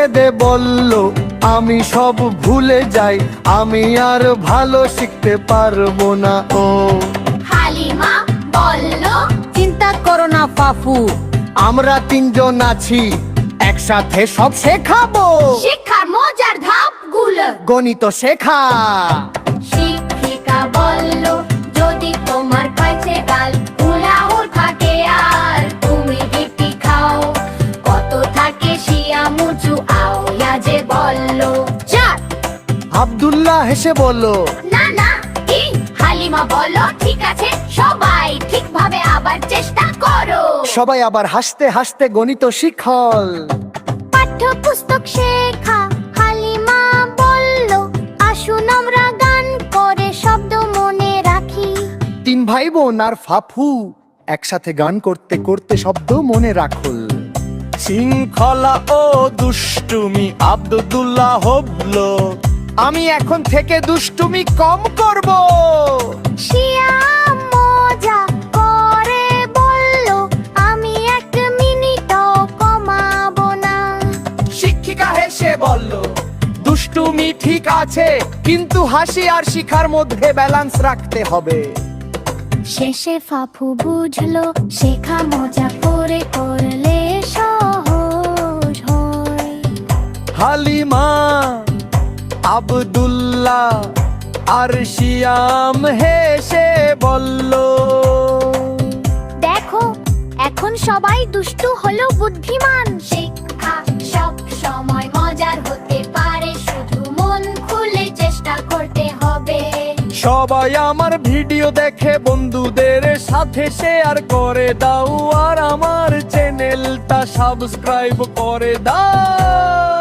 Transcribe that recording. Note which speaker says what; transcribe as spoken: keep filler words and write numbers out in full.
Speaker 1: কেঁদে বলল আমি সব ভুলে যাই, আমি আর ভালো শিখতে পারবো না। ও
Speaker 2: হালিমা বলল,
Speaker 3: চিন্তা করো না ফাফু,
Speaker 1: আমরা তিনজন আছি, একসাথে সব শেখাবো।
Speaker 2: শিক্ষার মজার ধাপগুলো।
Speaker 1: গণিত শেখা।
Speaker 2: শিক্ষিকা বলল, যদি তোমার কাছে গাল উলাউল থাকে আর তুমি বিপি খাও, কত থাকে শিয়া মুচু আও ইয়াজে বলল চার।
Speaker 1: আব্দুল্লাহ হেসে বলল,
Speaker 2: না না তিন। হালিমা বলল, ঠিক আছে, সবাই ঠিকভাবে আবার চেষ্টা করো।
Speaker 1: সবাই আবার হাসতে হাসতে গণিত শিখল।
Speaker 2: পাঠ্যপুস্তক শেখা। হালিমা বলল, আসুন আমরা গান করে শব্দ মনে রাখি।
Speaker 1: তিন ভাই বোন আর ফাফু একসাথে গান করতে করতে শব্দ মনে রাখল। শৃঙ্খলা ও দুষ্টুমি আব্দুল্লাহ হবল, আমি এখন থেকে দুষ্টুমি কম করব।
Speaker 2: শিয়া মজা করে বলল, আমি এক মিনিটও কমাবো না।
Speaker 1: শিক্ষিকা হেসে বলল, দুষ্টুমি ঠিক আছে, কিন্তু হাসি আর শিখার মধ্যে ব্যালেন্স রাখতে হবে।
Speaker 2: শেষে ফাফু বুঝলো, শেখা মজা করে করলে সহজ হয়।
Speaker 1: হালিমা, আব্দুল্লাহ আর শিয়াম হেসে বলল,
Speaker 2: দেখো, এখন সবাই দুষ্টু হলো বুদ্ধিমান। শিক্ষা সব সময় মজার হতে পারে, শুধু মন খুলে চেষ্টা করতে হবে।
Speaker 1: সবাই আমার ভিডিও দেখে বন্ধুদের সাথে শেয়ার করে দাও, আর আমার চ্যানেলটা সাবস্ক্রাইব করে দাও।